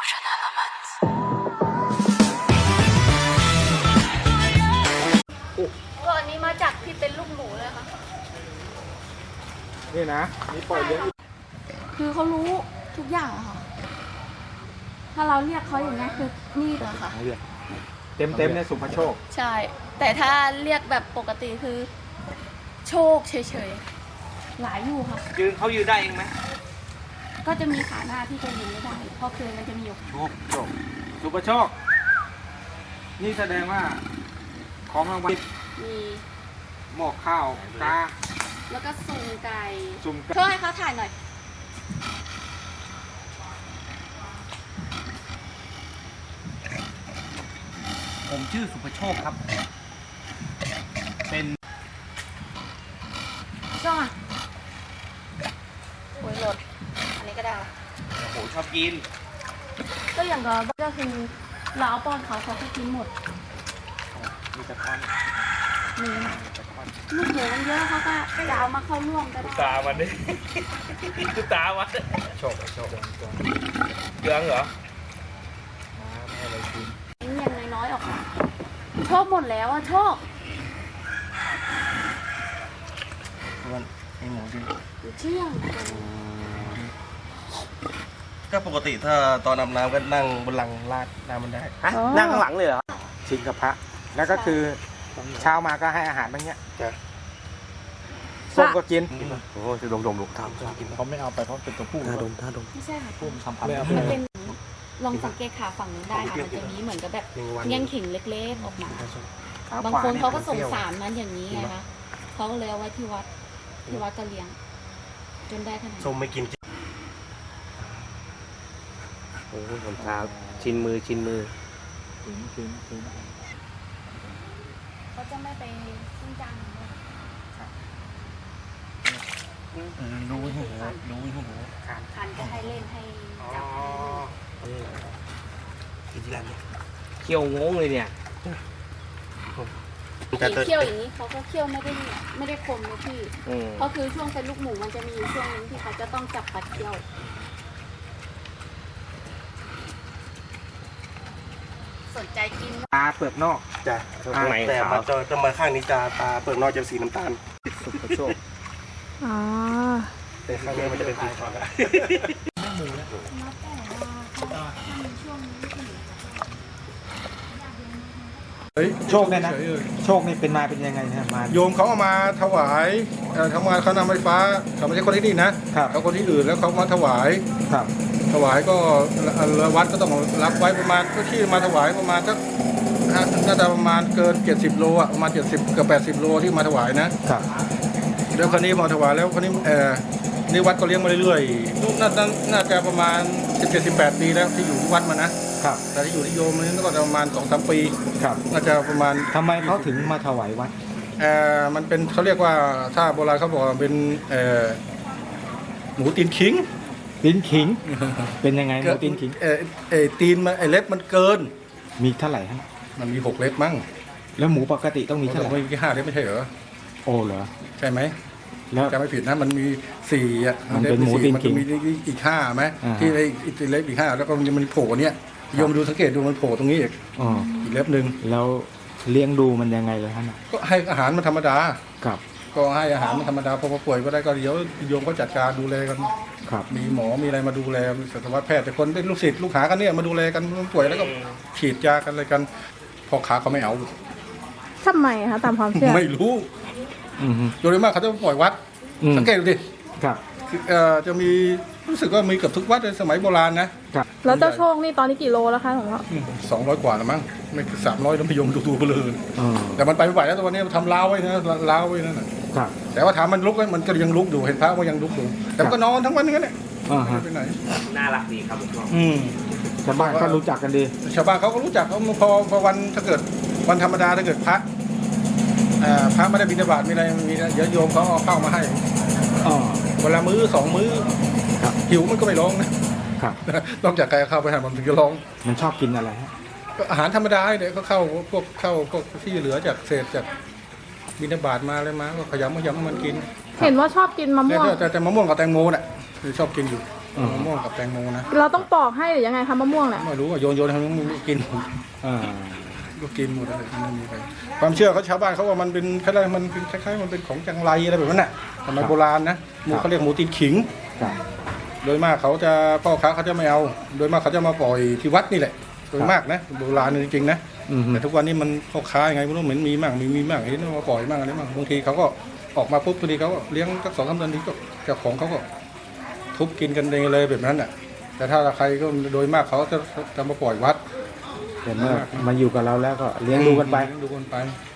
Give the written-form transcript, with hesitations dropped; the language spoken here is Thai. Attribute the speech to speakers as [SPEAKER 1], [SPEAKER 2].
[SPEAKER 1] ตัวอันนี้มาจากที่เป็นลูกหมูเลยค่ะ
[SPEAKER 2] นี่นะนี่ปล่อยเลี้ยง
[SPEAKER 1] คือเขารู้ทุกอย่างอะค่ะ ถ้าเราเรียกเขาอย่างนี้คือนี่เลยค่ะ
[SPEAKER 2] เต็มเนี่ยสุภโชค
[SPEAKER 1] ใช่ แต่ถ้าเรียกแบบปกติคือโชคเฉยๆ หลายอยู่ค่ะ
[SPEAKER 3] ยืนเขายืนได้เองไหม
[SPEAKER 1] ก็จะมีขาหน้าที่จะยืนไม่ได้ เพราะเคยมันจะมีอยู่
[SPEAKER 2] โชคสุภโชค นี่แสดงว่าของรางวัล
[SPEAKER 1] มี
[SPEAKER 2] หมอกข้าวกา
[SPEAKER 1] แล้วก็สุ่มไก่
[SPEAKER 2] สุ่มไก่
[SPEAKER 1] ช่วยให้เขาถ่ายหน่อย
[SPEAKER 3] ผมชื่อสุภโชคครับ เป็น
[SPEAKER 1] ช่องอ่ะโอ้ยโหลด อันนี้ก็ได้
[SPEAKER 3] โอ้โหชอบกิน
[SPEAKER 1] ก็อย่างก็คือเราเอาป้อนเขาเขาก็กินหมด
[SPEAKER 3] มีตะคอน
[SPEAKER 1] มีลูกหมูมันเยอะเขาก็จะเอามาเข้าร่วมก็ได้
[SPEAKER 3] ตามันดิดูตามัน
[SPEAKER 2] โชคโชค
[SPEAKER 3] เหลืองเหรอ
[SPEAKER 2] ให้อะไรกิน
[SPEAKER 1] อย่างน้อยๆออกมาโชคหมดแล้วอะโชค
[SPEAKER 3] มันไอหมูดิ
[SPEAKER 1] เชื่อง
[SPEAKER 4] ก็ปกติถ้าตอนอาบน้ำก็นั่งบนหลังลาดน้ำมันได้
[SPEAKER 3] ฮะนั่งข้างหลังเลยเหรอ
[SPEAKER 2] ชิงกับพระ แล้วก็คือเช้ามาก็ให้อาหารแบบเนี้ย
[SPEAKER 4] จ้ะ
[SPEAKER 2] ส้มก็กิน
[SPEAKER 4] โอ้จะดมทำกิน
[SPEAKER 2] เขาไม่เอาไปเพราะเป็นตัวผู้
[SPEAKER 4] ท่าดม
[SPEAKER 1] ไม่ใช่ค่ะ
[SPEAKER 2] ผู้ทำพันธุ์
[SPEAKER 1] มันเป็นลองสังเกตขาฝั่งนู้นได้ค่ะมันจะมีเหมือนกับแบบ
[SPEAKER 4] หนึ่งวัน
[SPEAKER 1] แง่งขิงเล็กๆออกมา บางคนเขาก็สงสารมันอย่างนี้ไงคะเขาก็เลยเอาไว้ที่วัดก็เลี้ยง จนได้ขนาด
[SPEAKER 4] ส้ม
[SPEAKER 1] นี้
[SPEAKER 4] ไม่กิน
[SPEAKER 3] โอ้โหผมเท้าชินมือ
[SPEAKER 2] กิน
[SPEAKER 1] เขาจะไม่ไปซึ่งจังเลย
[SPEAKER 4] รู้ให้หัวรู้ให้หัว
[SPEAKER 1] คันจะให้เล่นให้จับ
[SPEAKER 4] กินที่ร้านเนี่ย
[SPEAKER 3] เคี่ยวงงเลยเนี่ย
[SPEAKER 4] แต่
[SPEAKER 1] เคี่ยวอย่างนี้เขาก็เคี่ยวไม่ได้คมนะพี่
[SPEAKER 3] อืม
[SPEAKER 1] เพราะคือช่วงเป็นลูกหมูมันจะมีอยู่ช่วงนึงที่เขาจะต้องจับปัดเคี่ยว สนใจกิน
[SPEAKER 2] ตาเปลือกนอก
[SPEAKER 4] จ้ะ
[SPEAKER 3] ข้างใน
[SPEAKER 4] แต่
[SPEAKER 3] ขาว
[SPEAKER 4] มาจะมาข้างนี้จะตาเปลือกนอกจะสีน้ำตาล
[SPEAKER 2] สุภโชค
[SPEAKER 1] อ๋อ
[SPEAKER 4] แต่ข้างนี้มันจะเป็นสีขาว
[SPEAKER 1] แล้วแต่ว่าถ้ามีช่วงนี้ถึง
[SPEAKER 2] โชคเนี่ยนะ โชคนี่เป็นมาเป็นยังไงเนี่ยมา
[SPEAKER 5] โยมเขาเอามาถวายทำงานเขานำไฟฟ้าเขาไม่ใช่คนที่นี่นะครับ เขาคนที่อื่นแล้วเขามาถวาย
[SPEAKER 2] ครับ
[SPEAKER 5] ถวายก็วัดก็ต้องรับไว้ประมาณก็ที่มาถวายประมาณสักน่าจะประมาณเกิน70 โลอ่ะประมาณ70เกือบ80 โลที่มาถวายนะครับ แล้วคราวนี้พอถวายแล้วคราวนี้นี่วัดก็เลี้ยงมาเรื่อยๆน่าจะประมาณ17-18 ปีแล้วที่อยู่ที่วัดมานะครับ แต่ที่อยู่ที่โยมนี่ก็ประมาณ2-3 ปี
[SPEAKER 2] ครับ
[SPEAKER 5] น่าจะประมาณ
[SPEAKER 2] ทำไมเขาถึงมาถวายวัด
[SPEAKER 5] มันเป็นเขาเรียกว่าถ้าโบราณเขาบอกว่าเป็นหมูตีนขิง
[SPEAKER 2] ตีนขิง เป็นยังไงหมูตีนขิง
[SPEAKER 5] ตีนมันเล็บมันเกิน
[SPEAKER 2] มีเท่าไหร่ฮะ
[SPEAKER 5] มันมี6 เล็บมั้ง
[SPEAKER 2] แล้วหมูปกติต้องมีเท่าไหร่
[SPEAKER 5] ไม่มี5 เล็บไม่ใช่เหรอ
[SPEAKER 2] โอ้เหรอ
[SPEAKER 5] ใช่ไหม
[SPEAKER 2] แล้ว
[SPEAKER 5] จำไม่ผิดนะมันมี4อ่ะ
[SPEAKER 2] มันเป็นหมูตีนขิง
[SPEAKER 5] มันมีอีก5ไหม
[SPEAKER 2] อ่า
[SPEAKER 5] ที่อีกเล็บอีก5แล้วก็มันโผล่เนี้ยโยมดูสังเกตดูมันโผล่ตรงนี้อีก
[SPEAKER 2] อ๋อ
[SPEAKER 5] อีกเล็บหนึ่ง
[SPEAKER 2] แล้วเลี้ยงดูมันยังไงเลยฮะน่ะ
[SPEAKER 5] ก็ให้อาหารมันธรรมดา
[SPEAKER 2] ครับ
[SPEAKER 5] ก็ให้อาหารมันธรรมดาพอป่วยก็ได้ก็เดี๋ยวโยมเขาจัดการดูแลกัน
[SPEAKER 2] ครับ
[SPEAKER 5] มีหมอมีอะไรมาดูแลสัตวแพทย์แต่คนเป็นลูกศิษย์ลูกหากันเนี่ยมาดูแลกันป่วยแล้วก็ฉีดยากันอะไรกันพอขาเขาไม่เอา
[SPEAKER 1] ทำไมคะตามความเชื่อ
[SPEAKER 5] ไม่รู้
[SPEAKER 2] อืมฮึ
[SPEAKER 5] โดยมากเขาจะปล่อยวัด
[SPEAKER 2] อืม
[SPEAKER 5] สังเกตดูดิ
[SPEAKER 2] ครับ
[SPEAKER 5] คือจะมีรู้สึกว่ามีเกือบทุกวัดในสมัยโบราณนะครับ
[SPEAKER 1] แล้วเจ้าโชคนี่ตอนนี้กี่โลแล้วคะของเรา
[SPEAKER 5] 200 กว่าแล้วมั้งไม่ถึง300แล้วพยมดูไปเลย
[SPEAKER 2] อ๋อ
[SPEAKER 5] แต่มันไปไม่ไหวแล้วตอนนี้มันทำล้าวไว้นะล้าวไว้นั่นน่ะ
[SPEAKER 2] ครับ
[SPEAKER 5] แต่ว่าถามมันลุกไหมมันก็ยังลุกอยู่เห็นพระว่ายังลุกอยู่แต่มันก็นอนทั้งวันอย่างนั้นแหละ
[SPEAKER 2] อ่า
[SPEAKER 5] ไม่
[SPEAKER 2] ฮะ
[SPEAKER 5] ได้ไปไหน
[SPEAKER 3] น่ารักดีครับผมชอบ
[SPEAKER 2] ชาวบ้านก็รู้จักกันดี
[SPEAKER 5] ชาวบ้านเขาก็รู้จักเขาพอวันถ้าเกิดวันธรรมดาถ้าเกิดพระไม่ได้บิณฑบาตมีอะไรมีเดี๋ยวโยมเขาเอาข้าวมาให้
[SPEAKER 2] อ๋อ
[SPEAKER 5] เวลามื้อ2 มื้อ
[SPEAKER 2] ครับ
[SPEAKER 5] หิวมันก็ไม่ร้องนะครับ ต้องจากใครเอาข้าวไปให้มันถึงจะร้อง
[SPEAKER 2] มันชอบกินอะไรฮะ
[SPEAKER 5] ก็อาหารธรรมดาเดี๋ยวก็เข้าพวกที่เหลือจากเศษจากบิณฑบาตมาอะไรมาก็ขยำมันกิน
[SPEAKER 1] เห็นว่าชอบกินมะม่วง
[SPEAKER 5] แต่มะม่วงกับแตงโมน่ะคือชอบกินอยู่มะม่วงกับแตงโมนะ
[SPEAKER 6] เราต้องปอกให้หรือยังไงคะมะม่วงน่ะ
[SPEAKER 5] ไม่รู้ว่าโยนให้มันกิน
[SPEAKER 3] อ่า
[SPEAKER 5] ก็กินหมดอะไรไม่มีใครความเชื่อเขาชาวบ้านเขาว่ามันเป็นคล้ายๆมันเป็นคล้ายๆมันเป็นของจังไรอะไรแบบนั้นน่ะสมัยโบราณนะหมูเขาเรียกหมูตีนขิง
[SPEAKER 3] ครับ
[SPEAKER 5] โดยมากเขาจะพ่อค้าเขาจะไม่เอา โดยมากเขาจะมาปล่อยที่วัดนี่แหละโดยมากนะโบราณจริงๆนะ
[SPEAKER 3] อืม
[SPEAKER 5] แต่ทุกวันนี้มันพ่อค้ายังไงไม่รู้เหมือนมีมั่งมีมั่งเห็นว่าปล่อยมั่งอะไรมั่งบางทีเขาก็ออกมาปุ๊บบางทีเขาก็เลี้ยงสัก2-3 เดือนทีก็เจ้าของเขาก็ทุบกินกันเองเลยแบบนั้นอ่ะแต่ถ้าใครก็โดยมากเขาจะมาปล่อยวัด
[SPEAKER 3] เห็นว่ามาอยู่กับเราแล้วก็เลี้ยงดูกันไป
[SPEAKER 5] ดูกันไป